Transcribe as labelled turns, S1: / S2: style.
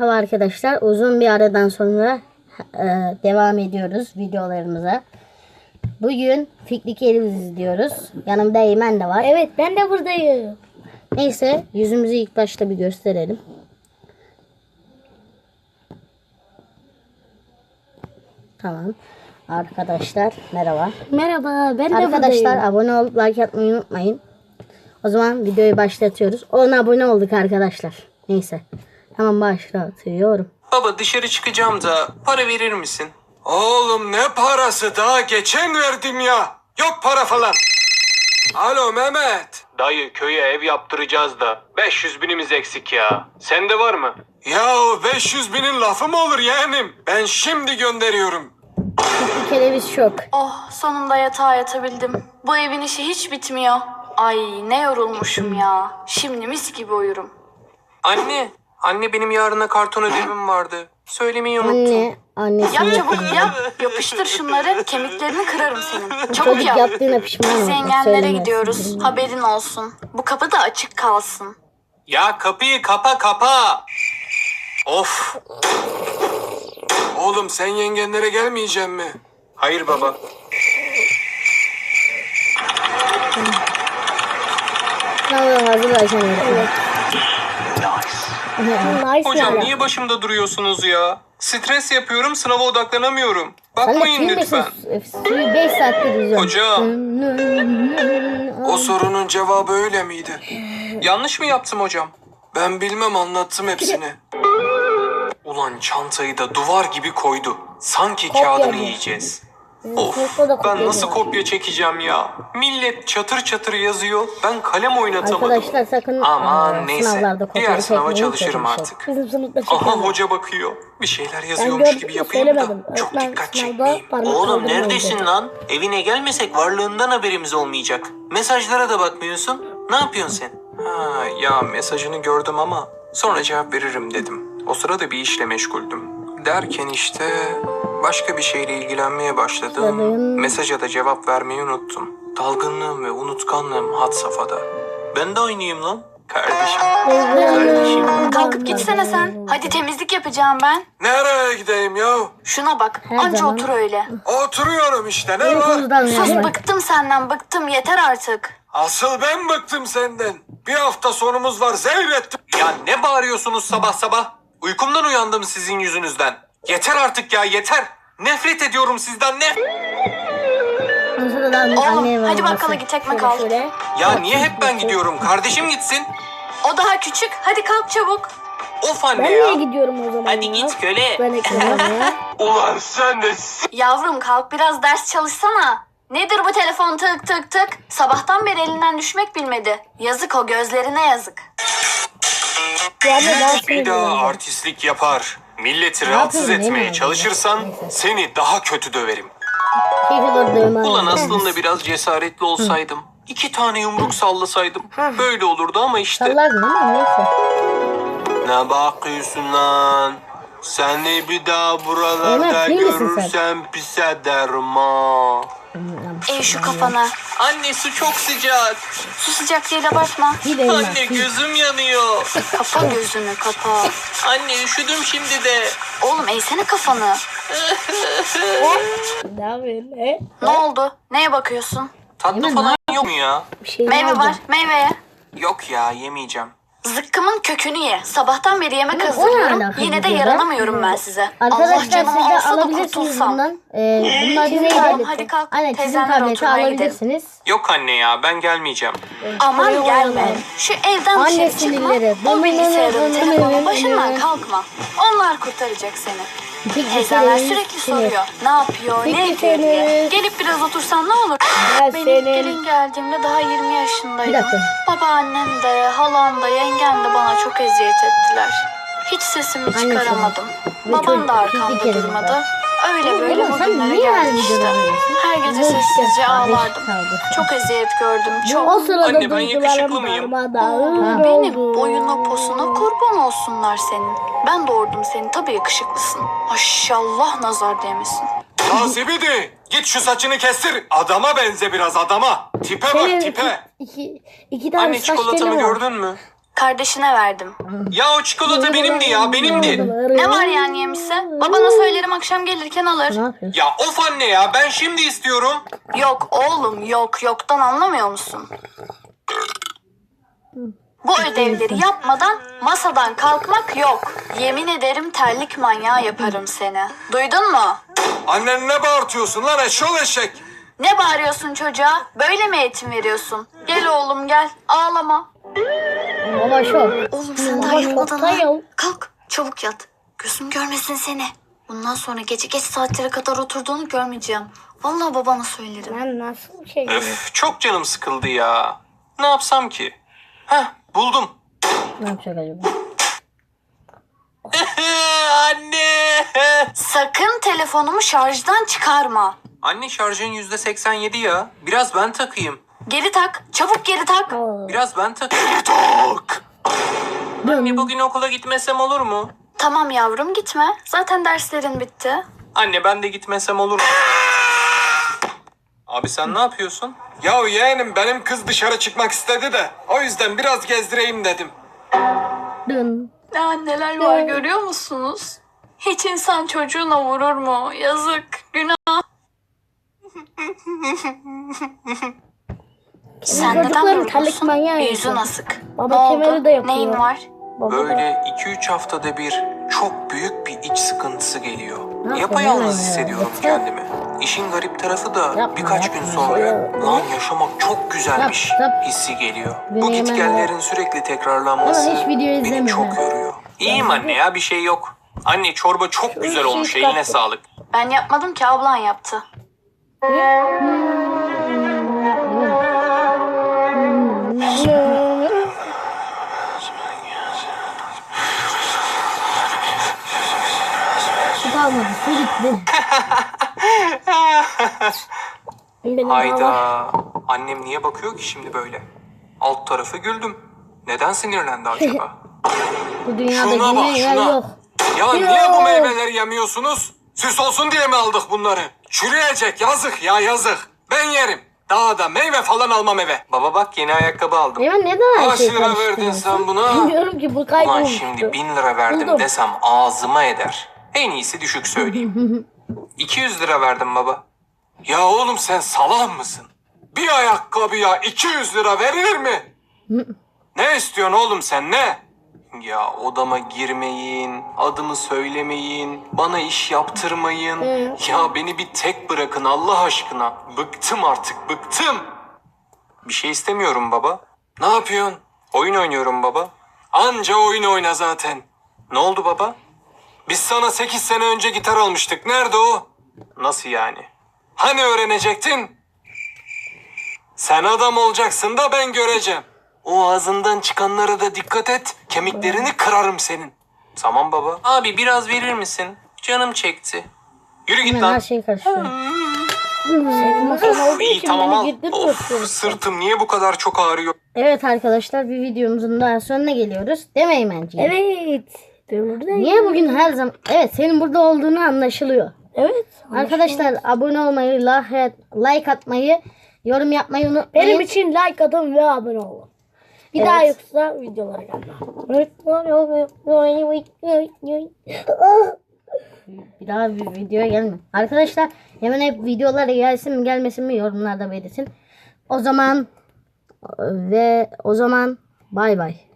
S1: Merhaba arkadaşlar, uzun bir aradan sonra devam ediyoruz videolarımıza. Bugün Fikri Kereviz izliyoruz. Yanımda Eymen de var.
S2: Evet, ben de buradayım.
S1: Neyse, yüzümüzü ilk başta bir gösterelim. Tamam. Arkadaşlar merhaba.
S2: Merhaba, ben de
S1: Arkadaşlar
S2: buradayım.
S1: abone olup like atmayı unutmayın. O zaman videoyu başlatıyoruz. 10 abone olduk arkadaşlar. Neyse. Tamam, başlatıyorum.
S3: Baba dışarı çıkacağım da para verir misin?
S4: Oğlum ne parası, daha geçen verdim ya. Yok para falan. Alo Mehmet.
S3: Dayı köye ev yaptıracağız da 500 binimiz eksik ya. Sende var mı?
S4: Ya 500 binin lafı mı olur yeğenim? Ben şimdi gönderiyorum.
S1: Fikri Kereviz şok.
S5: Oh, sonunda yatağa yatabildim. Bu evin işi hiç bitmiyor. Ay ne yorulmuşum ya. Şimdi mis gibi uyurum.
S3: Anne benim yarına karton ödevim vardı. Söylemeyi unuttum.
S1: Anne, annesi
S5: Yap
S1: yapıyor.
S5: çabuk yap. Yapıştır şunları. Kemiklerini kırarım senin. Çabuk
S1: Çocuk
S5: yap.
S1: yaptığına pişman
S5: Biz
S1: oldu.
S5: yengenlere
S1: Söylemez.
S5: gidiyoruz. Haberin olsun. Bu kapı da açık kalsın.
S3: Ya kapıyı kapa. Of.
S4: Oğlum sen yengenlere gelmeyeceksin mi?
S3: Hayır baba.
S1: Tamam, hazırlaşalım. Evet.
S2: Nice
S3: Hocam
S2: yani.
S3: niye başımda duruyorsunuz ya? Stres yapıyorum, sınava odaklanamıyorum.
S1: Sen de
S3: Bakmayın
S1: kim
S3: lütfen.
S1: Suyu 5 saattir izliyorum.
S3: Hocam
S4: O sorunun cevabı öyle miydi?
S3: yanlış mı yaptım hocam?
S4: Ben bilmem, anlattım hepsini.
S3: Ulan çantayı da duvar gibi koydu. Sanki
S2: Kopya
S3: kağıdını
S2: mı?
S3: yiyeceğiz. Of,
S2: Kopya da kopya
S3: ben nasıl
S2: değil.
S3: kopya çekeceğim ya? Millet çatır çatır yazıyor, ben kalem oynatamadım.
S1: Arkadaşlar sakın
S3: Aman neyse,
S1: sınavlarda kopya
S3: diğer sınava
S1: çekmeyin,
S3: çalışırım
S1: kötü bir şey.
S3: artık.
S2: Bizim sınıfta
S3: Aha
S2: çekiyorlar.
S3: hoca bakıyor. Bir şeyler
S2: Ben
S3: yazıyormuş
S2: gördüm
S3: gibi
S2: de
S3: yapayım da
S2: söylemedim.
S3: çok
S2: Öğretmen
S3: dikkat
S2: sınavda
S3: çekmeyeyim.
S2: parmak
S6: Oğlum
S2: kaldırmayın
S6: neredesin
S2: dedi.
S6: lan? Evine gelmesek varlığından haberimiz olmayacak. Mesajlara da bakmıyorsun. Ne yapıyorsun sen?
S3: Ha, ya mesajını gördüm ama sonra cevap veririm dedim. O sırada bir işle meşguldüm. Derken işte başka bir şeyle ilgilenmeye başladım.
S1: Başladın.
S3: Mesaja da cevap vermeyi unuttum. Dalgınlığım ve unutkanlığım had safhada.
S6: Ben de oynayayım lan.
S3: Kardeşim.
S6: Kardeşim.
S5: Kalkıp gitsene sen. Hadi temizlik yapacağım ben.
S4: Nereye gideyim ya?
S5: Şuna bak.
S1: Her
S5: Anca
S1: zaman.
S5: otur öyle.
S4: Oturuyorum işte, ne var?
S1: Uykumuzdan
S5: Sus,
S1: uyandık.
S5: bıktım senden, bıktım. Yeter artık.
S4: Asıl ben bıktım senden. Bir hafta sonumuz var, zehrettim.
S3: Ya ne bağırıyorsunuz sabah sabah? Uykumdan uyandım sizin yüzünüzden. Yeter artık ya, yeter. Nefret ediyorum sizden, ne?
S1: Ondan sonra da anneye
S5: Oğlum hadi
S1: var.
S5: bakkala git, ekmek al.
S2: Şöyle.
S3: Ya niye hep ben gidiyorum? Kardeşim gitsin.
S5: O daha küçük. Hadi kalk çabuk.
S3: Of
S2: Ben
S3: anne
S2: niye
S3: ya.
S2: gidiyorum o zaman
S6: Hadi
S2: ya?
S6: git köle.
S2: Ben ekmeğim ya.
S4: Ulan sen de
S5: Yavrum kalk biraz ders çalışsana. Nedir bu telefon tık tık tık? Sabahtan beri elinden düşmek bilmedi. Yazık, o gözlerine yazık.
S2: Yani ben
S3: Bir daha artistlik yapar, milleti rahatsız
S1: yapayım, değil
S3: etmeye
S1: mi?
S3: çalışırsan
S1: Neyse.
S3: seni daha kötü döverim.
S1: Ulan
S3: Ulan aslında biraz cesaretli olsaydım, 2 tane yumruk sallasaydım böyle olurdu ama işte.
S1: sallardın ama neyse.
S3: Ne bakıyorsun lan? Seni bir daha buralarda
S1: Ömer, kim misin sen?
S3: görürsem pis ederim ha.
S5: Eğ şu kafana.
S6: Anne su çok sıcak.
S5: Su sıcak değil, abartma.
S1: Bir de Eymen.
S6: Anne gözüm yanıyor.
S5: Kapa gözünü, kapa.
S6: Anne üşüdüm şimdi de.
S5: Oğlum eğsene kafanı.
S2: Ne yapıyorsun? He?
S5: Ne oldu? Neye bakıyorsun?
S3: Tatlı
S1: Eymen,
S3: falan yok mu ya?
S1: Bir şey
S5: Meyve
S1: aldım.
S5: var, meyveye.
S3: Yok ya, yemeyeceğim.
S5: Zıkkımın kökünü ye. Sabahtan beri yemek
S1: Ama o ne
S5: hazırlıyorum.
S1: alaka
S5: Yine de
S1: videoda?
S5: yaranamıyorum ben size. Allah
S1: Arkadaşlar siz
S5: canımı
S1: de
S5: alsa da
S1: alabilirsiniz
S5: kurtulsam.
S1: bundan. Bunlar
S5: Çizim
S1: neydi?
S5: tableti. Hadi kalk,
S1: Aynen, çizim
S5: teyzenler
S1: tableti
S5: oturmaya
S1: alabilirsiniz.
S3: Yok anne ya, ben gelmeyeceğim.
S5: Aman gelme. Şu evden
S1: Anne
S5: dışarı çıkma.
S1: sinirleri.
S5: O bilgisayarın, telefonun başından kalkma. Onlar kurtaracak seni. Teyzenler sürekli soruyor. Ne yapıyor, ne
S1: Peki
S5: ediyor diye.
S1: seni.
S5: Gelip biraz otursan ne olur?
S2: Ya
S5: Benim
S2: senin.
S5: gelin geldiğimde daha 20
S1: Bir
S5: yaşındaydım.
S1: dakika.
S5: Babaannem de, halam da, yengem de bana çok eziyet ettiler. Hiç sesimi
S1: Annesi.
S5: çıkaramadım.
S1: Ve
S5: Babam
S1: çocuk,
S5: da
S1: bir
S5: arkamda
S1: kere
S5: durmadı.
S1: daha.
S5: Öyle böyle
S1: Oğlum sen
S5: bugünlere
S1: niye her
S5: geldik
S1: videoda
S5: işte.
S1: böylesin?
S5: Her gece
S1: Bu işte
S5: sessizce
S1: kardeş
S5: ağlardım.
S1: kaldı.
S5: Çok eziyet gördüm,
S1: O
S5: çok.
S1: sırada
S3: Anne, ben yakışıklı
S1: duygularım
S3: mıyım?
S1: darmadağın
S5: Benim
S1: oldu.
S5: boyuna posuna kurban olsunlar senin. Ben doğurdum seni, tabii yakışıklısın. Maşallah, nazar değmesin.
S4: Nazibidi, git şu saçını kestir. Adama benze biraz, adama. Tipe bak,
S1: Senin
S4: tipe.
S1: iki tane
S3: Anne
S1: saç teli
S3: çikolatamı
S1: var.
S3: gördün mü?
S5: Kardeşine verdim.
S3: Ya o çikolata benimdi ya, benimdi.
S5: Ne var yani yemişse? Babana söylerim akşam gelirken
S1: Ne
S5: alır.
S1: yapıyorsun?
S3: Ya of anne ya, ben şimdi istiyorum.
S5: Yok oğlum yok. Yoktan anlamıyor musun? Bu ödevleri yapmadan masadan kalkmak yok. Yemin ederim terlik manyağı yaparım seni. Duydun mu?
S4: Annen ne bağırtıyorsun lan eşşoğlu eşek?
S5: Ne bağırıyorsun çocuğa? Böyle mi eğitim veriyorsun? Gel oğlum gel. Ağlama.
S1: Baba şok.
S5: Oğlum sen daha yatmadın ha. Kalk çabuk yat. Gözüm görmesin seni. Bundan sonra gece geç saatlere kadar oturduğunu görmeyeceğim. Vallahi babana söylerim.
S2: Ben nasıl bir şey
S3: Öf, çok canım sıkıldı ya. Ne yapsam ki? Heh, buldum.
S1: Ne yapacak acaba?
S3: Anne.
S5: Sakın telefonumu şarjdan çıkarma.
S3: Anne şarjın %87 ya. Biraz ben takayım.
S5: Geri tak. Çabuk geri tak.
S3: Biraz ben takayım. Tak. Anne bugün okula gitmesem olur mu?
S5: Tamam yavrum gitme. Zaten derslerin bitti.
S3: Anne ben de gitmesem olur mu? Abi sen ne yapıyorsun?
S4: Ya yeğenim benim kız dışarı çıkmak istedi de o yüzden biraz gezdireyim dedim.
S1: Dın.
S5: Ya neler var görüyor musunuz? Hiç insan çocuğuna vurur mu? Yazık, günah. Sen neden
S2: çocukların terlik
S5: durgunsun?
S2: manyağı
S5: Yüzün
S2: yapıyor.
S5: asık.
S2: Baba
S5: Ne oldu?
S2: kemeri de yapıyor.
S5: Neyin var?
S3: Böyle 2-3 haftada bir çok büyük bir iç sıkıntısı geliyor.
S1: Yapma,
S3: Yapayalnız
S1: yapma ya.
S3: hissediyorum
S1: Yeter.
S3: kendimi. İşin garip tarafı da
S1: Yapma,
S3: birkaç
S1: yapma.
S3: gün sonra lan yaşamak çok güzelmiş
S1: Yap.
S3: hissi geliyor.
S1: Beni
S3: Bu
S1: hemen
S3: gitgellerin sürekli tekrarlanması
S1: Ama hiç video
S3: beni
S1: izlemiyorum
S3: çok
S1: ha.
S3: yoruyor. İyiyim anne ya, bir şey yok. Anne çorba çok güzel olmuş, eline sağlık.
S5: Ben yapmadım ki ablan yaptı.
S1: Su kalmadı. Su gitti.
S2: Benim
S3: Hayda.
S2: baba-
S3: Annem niye bakıyor ki şimdi böyle? Alt tarafı güldüm. Neden sinirlendi acaba?
S1: Bu dünyada
S4: Şuna bak,
S1: yine yer
S4: şuna.
S1: yok.
S4: Ya niye bu meyveleri yemiyorsunuz? Süs olsun diye mi aldık bunları? Çürüyecek, yazık ya yazık. Ben yerim. Daha da meyve falan almam eve.
S3: Baba bak, yeni ayakkabı aldım.
S1: Eymen neden her
S4: Kaç
S1: şeyi
S4: lira verdin
S1: karıştırıyorsun?
S4: sen buna?
S2: Bilmiyorum ki bu
S3: Ulan
S2: kaybolmuştu.
S3: şimdi 1000 lira verdim
S2: Buldum.
S3: desem ağzıma eder. En iyisi düşük söyleyeyim. 200 lira verdim baba.
S4: Ya oğlum sen salak mısın? Bir ayakkabıya 200 lira verilir mi? Ne istiyorsun oğlum sen ne?
S3: Ya odama girmeyin, adımı söylemeyin, bana iş yaptırmayın. Ya beni bir tek bırakın Allah aşkına. Bıktım artık, bıktım. Bir şey istemiyorum baba.
S4: Ne yapıyorsun?
S3: Oyun oynuyorum baba.
S4: Anca oyun oyna zaten.
S3: Ne oldu baba?
S4: Biz sana 8 sene önce gitar almıştık. Nerede o?
S3: Nasıl yani?
S4: Hani öğrenecektin? Sen adam olacaksın da ben göreceğim. O ağzından çıkanlara da dikkat et. Kemiklerini kırarım senin.
S3: Tamam baba. Abi biraz verir misin? Canım çekti. Yürü git
S1: Hemen her
S3: lan.
S1: şeyi karıştırıyor.
S2: Olduğu
S3: İyi
S2: için
S3: tamam
S2: beni
S3: al.
S2: girdirmiyor
S3: Of,
S2: çocuk.
S3: sırtım niye bu kadar çok ağrıyor?
S1: Evet arkadaşlar, bir videomuzun daha sonuna geliyoruz. Değil mi Eymenciğim?
S2: Evet. Buradayım.
S1: Niye bugün her zaman... Evet, senin burada olduğunu anlaşılıyor.
S2: Evet.
S1: Arkadaşlar abone olmayı, like atmayı, yorum yapmayı unutmayın.
S2: Benim için like atın ve abone olun. Bir
S1: Evet.
S2: daha yoksa videolara gelmem.
S1: Bir daha bir videoya gelme. Arkadaşlar hemen hep videolara gelsin mi gelmesin mi yorumlarda belirtin. O zaman bay bay.